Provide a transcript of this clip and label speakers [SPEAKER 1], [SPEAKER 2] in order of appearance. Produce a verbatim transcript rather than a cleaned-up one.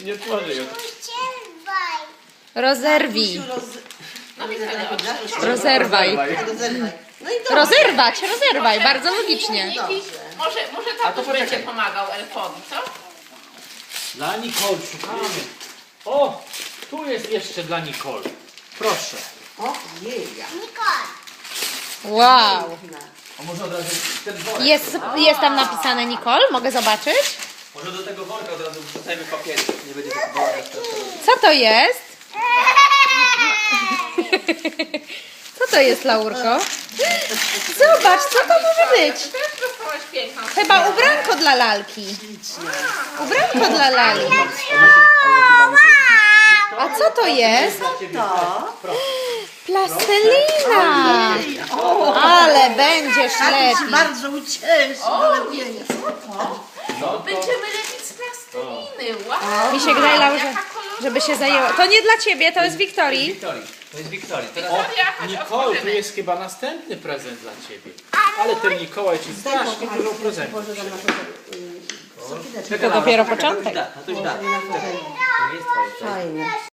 [SPEAKER 1] nie tworzy już.
[SPEAKER 2] Rozerwij.
[SPEAKER 3] Roz...
[SPEAKER 4] No Wiktoria, odczyć.
[SPEAKER 2] Rozerwaj.
[SPEAKER 3] Rozerwaj. No i dobrze.
[SPEAKER 2] Rozerwać, rozerwaj, bardzo logicznie.
[SPEAKER 4] Niki, może, może
[SPEAKER 1] A to
[SPEAKER 4] tatuś będzie
[SPEAKER 1] poczekaj.
[SPEAKER 4] pomagał elfowi, co?
[SPEAKER 1] Dla Nicole szukamy. O, tu jest jeszcze dla Nicole. Proszę.
[SPEAKER 3] O, jej.
[SPEAKER 2] Wow.
[SPEAKER 1] A może od razu ten worek?
[SPEAKER 2] Jest, jest tam napisane Nicole? Mogę zobaczyć?
[SPEAKER 1] Może do tego worka od razu wrzucajmy papier. Nie będzie tak worka.
[SPEAKER 2] Co to jest? Co to jest, Laurko? Zobacz, co to może być?
[SPEAKER 4] Ty też dostałaś piękną.
[SPEAKER 2] Chyba ubranko dla lalki. Ubranko dla lalki. A co to jest?
[SPEAKER 3] To.
[SPEAKER 2] Plastelina. Ale będziesz
[SPEAKER 3] Tatuś
[SPEAKER 2] lepiej.
[SPEAKER 3] bardzo ucieszy do lepienia.
[SPEAKER 1] No
[SPEAKER 4] Będziemy lepić z plasteliny. Wow.
[SPEAKER 2] Mi się wydaje, Laura, że,
[SPEAKER 4] Jaka kolorowa.
[SPEAKER 2] żeby się zajęło. To nie dla ciebie, to jest Wiktorii.
[SPEAKER 1] Wiktorii. To jest Wiktorii. Teraz...
[SPEAKER 4] Wiktoria, chodź,
[SPEAKER 1] Nicole, tu
[SPEAKER 4] otworzymy.
[SPEAKER 1] jest chyba następny prezent dla ciebie. Ale ten Mikołaj ci strasznie dużo prezentów.
[SPEAKER 3] Boże, tam na to.
[SPEAKER 2] To dopiero początek.
[SPEAKER 1] To już da. To już da.
[SPEAKER 3] Fajnie.